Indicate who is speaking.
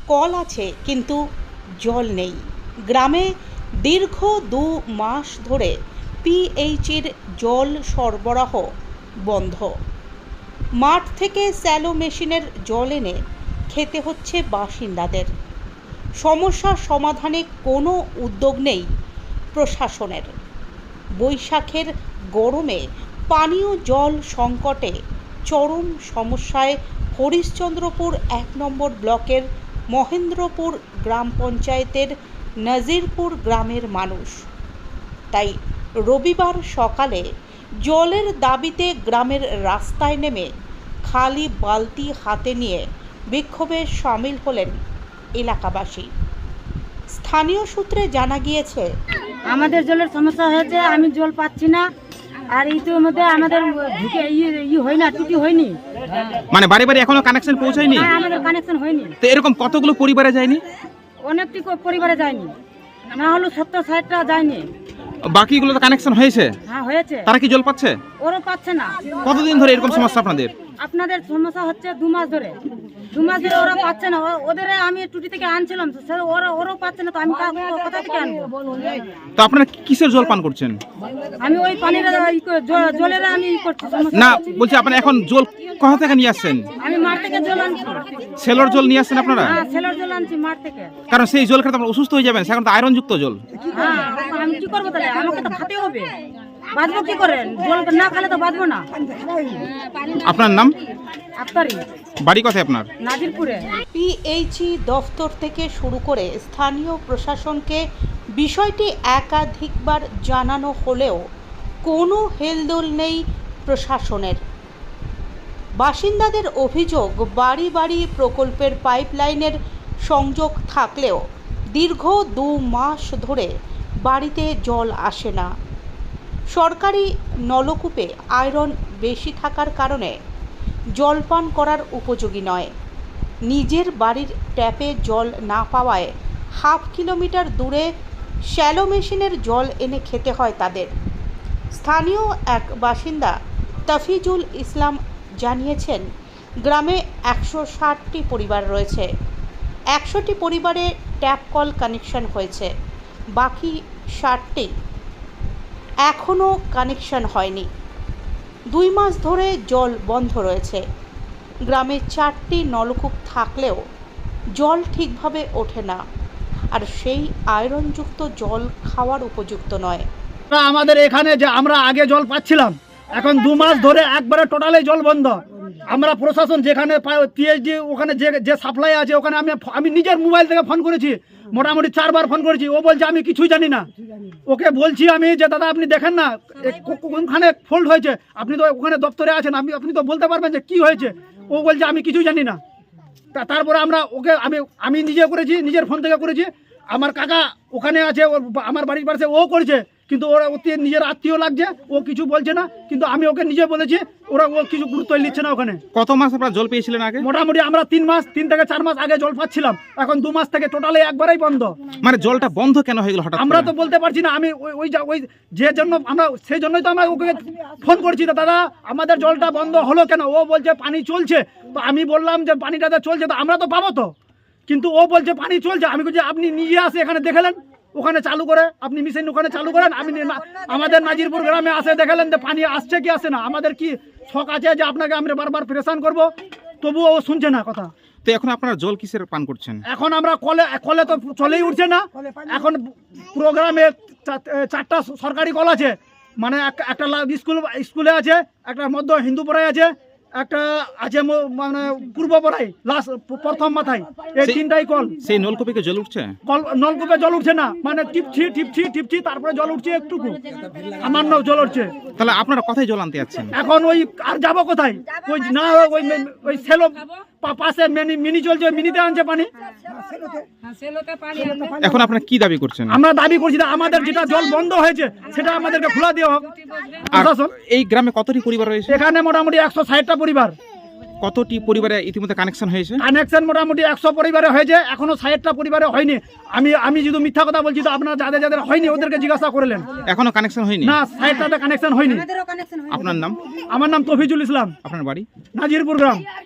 Speaker 1: Call আছে কিন্তু জল নেই। গ্রামে দীর্ঘ 2 মাস ধরে পিএইচির জল সরবরাহ বন্ধ। মাঠ থেকে স্যালো মেশিনের জল এনে খেতে হচ্ছে বাসিন্দাদের। সমস্যার সমাধানে কোনো উদ্যোগ নেই প্রশাসনের। বৈশাখের গরমে পানীয় জল সংকটে চরম সমস্যায় হরিশ্চন্দ্রপুর 1 নম্বর ব্লকের মহেন্দ্রপুর গ্রাম পঞ্চায়েতের নাজিরপুর গ্রামের মানুষ। তাই রবিবার সকালে জলের দাবিতে গ্রামের রাস্তায় নেমে খালি বালতি হাতে নিয়ে বিক্ষোভে সামিল হলেন এলাকাবাসী। স্থানীয় সূত্রে জানা গিয়েছে,
Speaker 2: আমাদের জলের সমস্যা হয়েছে, আমি জল পাচ্ছি না। আর ইতির মধ্যে আমাদের ঢুকে হয় না, টুটি হয়নি,
Speaker 3: মানে বাড়ি বাড়ি এখনো কানেকশন পৌঁছায়নি।
Speaker 2: আমাদের কানেকশন হয়নি।
Speaker 3: তো এরকম কতগুলো পরিবারে যায়নি?
Speaker 2: অনেকটি পরিবারে যায়নি, না হলো 70-60টা যায়নি।
Speaker 3: বাকিগুলো তো কানেকশন হয়েছে।
Speaker 2: হ্যাঁ হয়েছে।
Speaker 3: তারা কি জল পাচ্ছে?
Speaker 2: ওরও পাচ্ছে না।
Speaker 3: কতদিন ধরে এরকম সমস্যা আপনাদের?
Speaker 2: আপনাদের সমস্যা হচ্ছে 2 মাস ধরে। 2 মাস ধরে ওরা পাচ্ছে না। ওদের আমি টুটি থেকে আনছিলাম, ওরাও পাচ্ছে না, তো আমি কোথা থেকে আনবো?
Speaker 3: তো আপনারা কিসের জল পান করছেন?
Speaker 2: আমি ওই পানির জলের আমি করছি।
Speaker 3: না বলছি, আপনারা এখন জল কোথা থেকে নিয়ে আসছেন?
Speaker 2: আমি মাঠ থেকে জল আনছি।
Speaker 3: সেলর জল নিয়ে আসছেন আপনারা?
Speaker 2: হ্যাঁ, সেলর জল আনছি মাঠ থেকে।
Speaker 3: কারণ সেই জল খেতে আপনারা অসুস্থ হয়ে যাবেন, সেখানে তো আয়রন যুক্ত জল।
Speaker 2: হ্যাঁ, আমি কি করবো তাহলে? আমাকে তো খেতে হবে। বাঁচবো কি করে? জল না খেলে তো বাঁচবো না।
Speaker 3: আপনার নাম?
Speaker 2: আফতারি।
Speaker 3: বাড়ি কোথায় আপনার?
Speaker 2: নাজিরপুরে।
Speaker 1: পিএইচই দফতর থেকে শুরু করে স্থানীয় প্রশাসনকে বিষয়টি একাধিকবার জানানো হলেও কোনো হেলদোল নেই প্রশাসনের। বাসিন্দাদের অভিযোগ, বাড়ি বাড়ি প্রকল্পের পাইপলাইনের সংযোগ থাকলেও দীর্ঘ 2 মাস ধরে বাড়িতে জল আসে না। সরকারি নলকূপে আয়রন বেশি থাকার কারণে জলপান করার উপযোগী নয়। নিজের বাড়ির ট্যাপে জল না পাওয়ায় হাফ কিলোমিটার দূরে শ্যালো মেশিনের জল এনে খেতে হয় তাদের। স্থানীয় এক বাসিন্দা তাফিজুল ইসলাম জানিয়েছেন, গ্রামে 160টি পরিবার রয়েছে। 100টি পরিবারে ট্যাপ কল কানেকশন হয়েছে, বাকি 60টি এখনও কানেকশন হয়নি। 2 মাস ধরে জল বন্ধ রয়েছে। গ্রামে 4টি নলকূপ থাকলেও জল ঠিকভাবে ওঠে না, আর সেই আয়রনযুক্ত জল খাওয়ার উপযুক্ত নয়।
Speaker 4: আমাদের এখানে যে আমরা আগে জল পাচ্ছিলাম, এখন 2 মাস ধরে একবারে টোটালি জল বন্ধ। আমরা প্রশাসন যেখানে পিএইচডি ওখানে যে সাপ্লাই আছে, ওখানে আমি নিজের মোবাইল থেকে ফোন করেছি, মোটামুটি 4 বার ফোন করেছি। ও বলছে আমি কিছুই জানি না। ওকে বলছি আমি যে দাদা আপনি দেখেন না কোনখানে ফল্ট হয়েছে, আপনি তো ওখানে দপ্তরে আছেন, আপনি তো বলতে পারবেন যে কি হয়েছে। ও বলছে আমি কিছুই জানি না। তারপরে আমরা ওকে আমি নিজে করেছি, নিজের ফোন থেকে করেছি। আমার কাকা ওখানে আছে, আমার বাড়ির পাশে, ও করছে, কিন্তু ওরা নিজের আত্মীয় লাগছে, ও কিছু বলছে না। কিন্তু আমি ওকে নিজে বলেছি, ও কিছু গুরুত্ব নিচ্ছে না। ওখানে
Speaker 3: কত মাস আপনারা জল পেয়েছিলেন আগে?
Speaker 4: মোটামুটি আমরা 3 থেকে 4 মাস আগে জল পাচ্ছিলাম, এখন 2 মাস থেকে টোটালি একবারেই বন্ধ।
Speaker 3: মানে জলটা বন্ধ কেন হয়ে গেল হঠাৎ?
Speaker 4: আমরা তো বলতে পারছি না। আমি ওই যে জন্য আমরা সেই জন্যই তো আমরা ওকে ফোন করছি, দাদা আমাদের জলটা বন্ধ হলো কেন? ও বলছে পানি চলছে। তো আমি বললাম যে পানিটা চলছে তো আমরা তো পাবো তো, কিন্তু ও বলছে পানি চলছে। আমি বলছি আপনি নিজে আসে এখানে দেখলেন, ওখানে চালু করে আপনি মেশিন ওখানে চালু করেন। আমি আমাদের নাজিরপুর গ্রামে আসে দেখালেন যে পানি আসছে কি আসে না। আমাদের কি শখ আছে যে আপনাকে আমরা বারবার প্রেশান করব, তবুও ও শুনছে না কথা।
Speaker 3: তো এখন আপনারা জল কিসের পান করছেন?
Speaker 4: এখন আমরা কলে তো চলেই উঠছে না। এখন প্রোগ্রামে 4টা সরকারি কল আছে, মানে একটা স্কুলে আছে, একটা মধ্য হিন্দুপাড়ায় আছে, একটা আছে মানে পূর্বপাড়ায় লাস্ট প্রথম মাথায়। এই 3টাই কল।
Speaker 3: সেই নলকূপে কি জল উঠছে?
Speaker 4: নলকূপে জল উঠছে না, মানে টিপছি তারপরে জল উঠছে একটুকু, সামান্য জল উঠছে।
Speaker 3: তাহলে আপনারা কোথায় জল আনতে যাচ্ছেন?
Speaker 4: এখন ওই আর যাবো কোথায়? ওই না ওই সেলো পাশে মিনি চলছে, মিনিতে আনছে পানি।
Speaker 3: এখন আপনারা কি দাবি করছেন?
Speaker 4: আমরা দাবি করছি না, আমাদের যেটা জল বন্ধ হয়েছে সেটা আমাদেরকে খোলা দেওয়া হোক।
Speaker 3: এই গ্রামে কতটি পরিবার রয়েছে?
Speaker 4: এখানে মোটামুটি 160টা পরিবার।
Speaker 3: কতটি পরিবারে ইতিমধ্যে কানেকশন হয়েছে?
Speaker 4: কানেকশন মোটামুটি 100 পরিবারে হয়েছে, এখনো 60টা পরিবারে হয়নি। আমি যদি মিথ্যা কথা বলছি তো আপনারা যাদের হয়নি ওদেরকে জিজ্ঞাসা করলেন।
Speaker 3: এখনো কানেকশন হয়নি?
Speaker 4: না, 60টাতে কানেকশন হয়নি।
Speaker 3: আপনার নাম?
Speaker 4: আমার নাম তফিজুল ইসলাম।
Speaker 3: আপনার বাড়ি?
Speaker 4: নাজিরপুর গ্রাম।